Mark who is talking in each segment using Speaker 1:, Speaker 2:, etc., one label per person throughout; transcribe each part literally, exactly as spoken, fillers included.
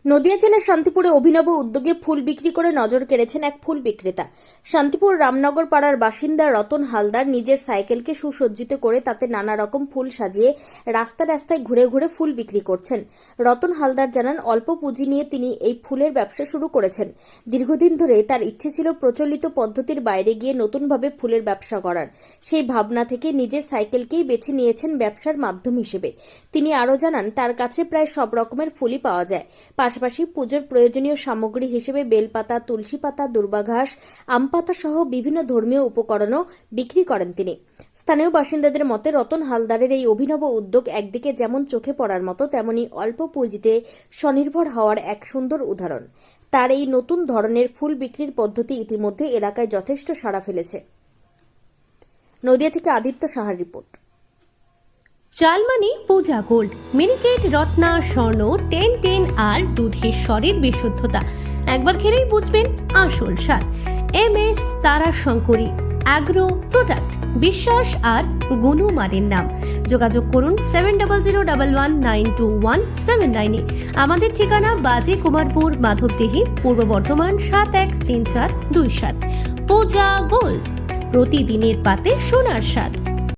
Speaker 1: নদিয়া জেলার শান্তিপুরে অভিনব উদ্যোগে ফুল বিক্রি করে নজর কেড়েছেন এক ফুল বিক্রেতা। শান্তিপুর রামনগর পাড়ার বাসিন্দা রতন হালদার নিজের সাইকেলকে সুসজ্জিত করে তাতে নানা রকম ফুল সাজিয়ে রাস্তা রাস্তায় ঘুরে ঘুরে ফুল বিক্রি করছেন। রতন হালদার জানান, অল্প পুঁজি নিয়ে তিনি এই ফুলের ব্যবসা শুরু করেছেন। দীর্ঘদিন ধরে তার ইচ্ছে ছিল প্রচলিত পদ্ধতির বাইরে গিয়ে নতুনভাবে ফুলের ব্যবসা করার। সেই ভাবনা থেকে নিজের সাইকেলকেই বেছে নিয়েছেন ব্যবসার মাধ্যম হিসেবে। তিনি আরও জানান, তার কাছে প্রায় সব রকমের ফুলই পাওয়া যায়। পাশাপাশি পুজোর প্রয়োজনীয় সামগ্রী হিসেবে বেলপাতা, তুলসী পাতা, দুর্বাঘাস, আম পাতা সহ বিভিন্ন ধর্মীয় উপকরণও বিক্রি করেন তিনি। স্থানীয় বাসিন্দাদের মতে রতন হালদারের এই অভিনব উদ্যোগ একদিকে যেমন চোখে পড়ার মতো, তেমনি অল্প পুঁজিতে স্বনির্ভর হওয়ার এক সুন্দর উদাহরণ। তার এই নতুন ধরনের ফুল বিক্রির পদ্ধতি ইতিমধ্যে এলাকায় যথেষ্ট সাড়া ফেলেছে। নদিয়া থেকে আদিত্য সাহার রিপোর্ট।
Speaker 2: চালমানি Puja gold, Miniket, Ratna, Swarna, ten ten আর দুধের স্বরের বিশুদ্ধতা একবার খেলেই বুঝবেন আসল স্বাদ। এম এস তারা শঙ্করী অ্যাগ্রো প্রোডাক্ট, বিশ্বাস আর গুণমানের নাম। যোগাযোগ করুন seven double zero double one nine two one seven নাইনে। আমাদের ঠিকানা বাজে কুমারপুর, মাধবদেহি, পূর্ব বর্ধমান সাত এক তিন চার দুই সাত। পূজা গোল্ড, প্রতিদিনের পাতে সোনার স্বাদ।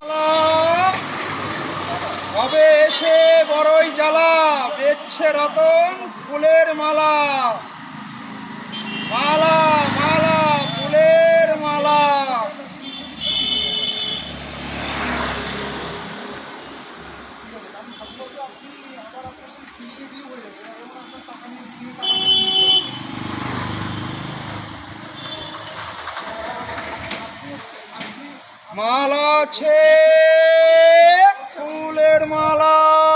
Speaker 3: কবে এসে বড়ই জ্বালা, বেচছে রতন ফুলের মালা, মালা মালা ফুলের মালা। মালা আছে ফুলের মালা।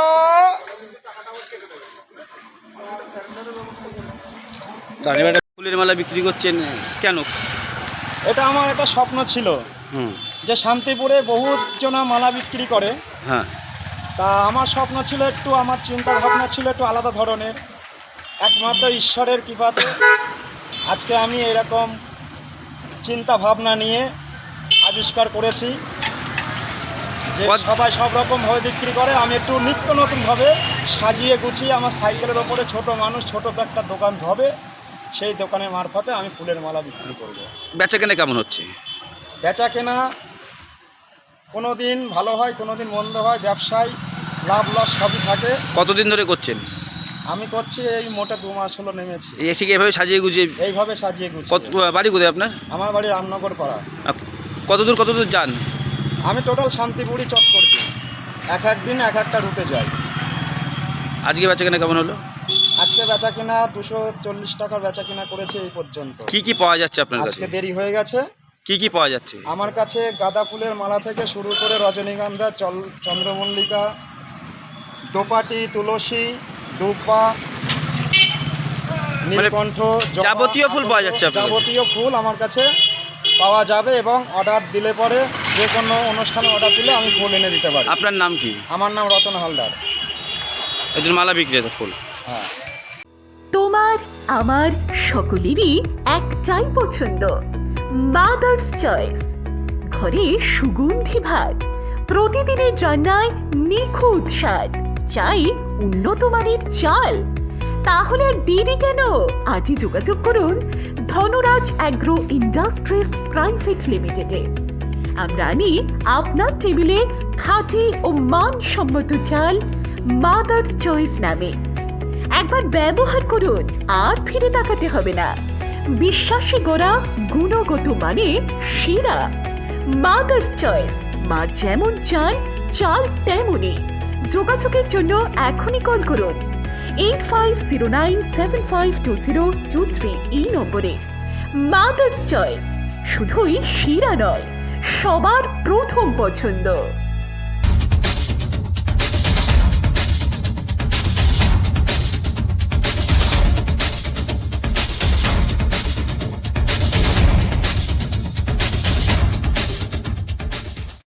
Speaker 4: ফুলের মালা বিক্রি করছেন কেন?
Speaker 3: এটা আমার একটা স্বপ্ন ছিল যে শান্তিপুরে বহু জনা মালা বিক্রি করে।
Speaker 4: হ্যাঁ,
Speaker 3: তা আমার স্বপ্ন ছিল একটু, আমার চিন্তা ভাবনা ছিল একটু আলাদা ধরনের। একমাত্র ঈশ্বরের কৃপাতে আজকে আমি এরকম চিন্তা ভাবনা নিয়ে আবিষ্কার করেছি যে সবাই সব রকমভাবে বিক্রি করে, আমি একটু নিত্য নতুনভাবে সাজিয়ে গুছিয়ে আমার সাইকেলের ওপরে ছোট মানুষ ছোট একটা দোকান হবে, সেই দোকানের মারফতে আমি ফুলের মালা বিক্রি করব।
Speaker 4: বেচা কেনা কেমন হচ্ছে?
Speaker 3: বেচা কেনা কোনো দিন ভালো হয়, কোনো দিন মন্দ হয়। ব্যবসায় লাভ লস সবই থাকে।
Speaker 4: কতদিন ধরে করছেন?
Speaker 3: আমি করছি এই মোটে দু মাস হলো নেমেছি।
Speaker 4: এই ঠিক এইভাবে সাজিয়ে গুছিয়ে?
Speaker 3: এইভাবে সাজিয়ে গুছিয়ে।
Speaker 4: কত বাড়ি কোথায় আপনার?
Speaker 3: আমার বাড়ি রামনগর পাড়া।
Speaker 4: কত দূর কত দূর যান?
Speaker 3: আমি টোটাল শান্তিপুরই চক করছি, এক এক দিন এক একটা রুটে যাই।
Speaker 4: আজকে বেচা কেনা কেমন হলো?
Speaker 3: আজকে বেচা কেনা দুশো চল্লিশ টাকার বেচা কেনা করেছে এই পর্যন্ত।
Speaker 4: কি কি পাওয়া যাচ্ছে আপনার কাছে?
Speaker 3: আজকে দেরি হয়ে গেছে।
Speaker 4: কি কি পাওয়া যাচ্ছে
Speaker 3: আমার কাছে? গাঁদা ফুলের মালা থেকে শুরু করে রজনীগন্ধা, চন্দ্রমল্লিকা, দোপাটি, তুলসী, দুব্বা, নীলকণ্ঠ,
Speaker 4: যাবতীয় ফুল পাওয়া যাচ্ছে?
Speaker 3: যাবতীয় ফুল আমার কাছে পাওয়া যাবে এবং অর্ডার দিলে পরে যে কোনো অনুষ্ঠানে অর্ডার দিলে আমি ফুল এনে দিতে পারি।
Speaker 4: আপনার নাম কি?
Speaker 3: আমার নাম রতন হালদার,
Speaker 4: একজন মালা বিক্রেতা ফুল।
Speaker 3: হ্যাঁ।
Speaker 5: তোমার আমার সকলেরই একটাই পছন্দ, মাদার্স চয়েস। ঘরে সুগন্ধি ভাত, প্রতিদিনের রান্নায় নিখুঁত স্বাদ, চাই উন্নত মানের চাল। তাহলে আর দেরি কেন? আজই যোগাযোগ করুন ধনরাজ অ্যাগ্রো ইন্ডাস্ট্রিজ প্রাইভেট লিমিটেডে। আমরা আনি আপনার টেবিলে খাঁটি ও মানসম্মত চাল মাদার্স চয়েস নামে। একবার ব্যবহার করুন, আর ফিরে তাকাতে হবে না। বিশ্বাসী গোড়া, গুণগত মানে সেরা। মাদার্স চয়েস, মা যেমন চান চাল তেমনই। যোগাযোগের জন্য এখনই কল করুন eight five zero nine seven five two zero two three এই নম্বরে। মাদার্স চয়েস শুধুই সেরা নয়, সবার প্রথম পছন্দ।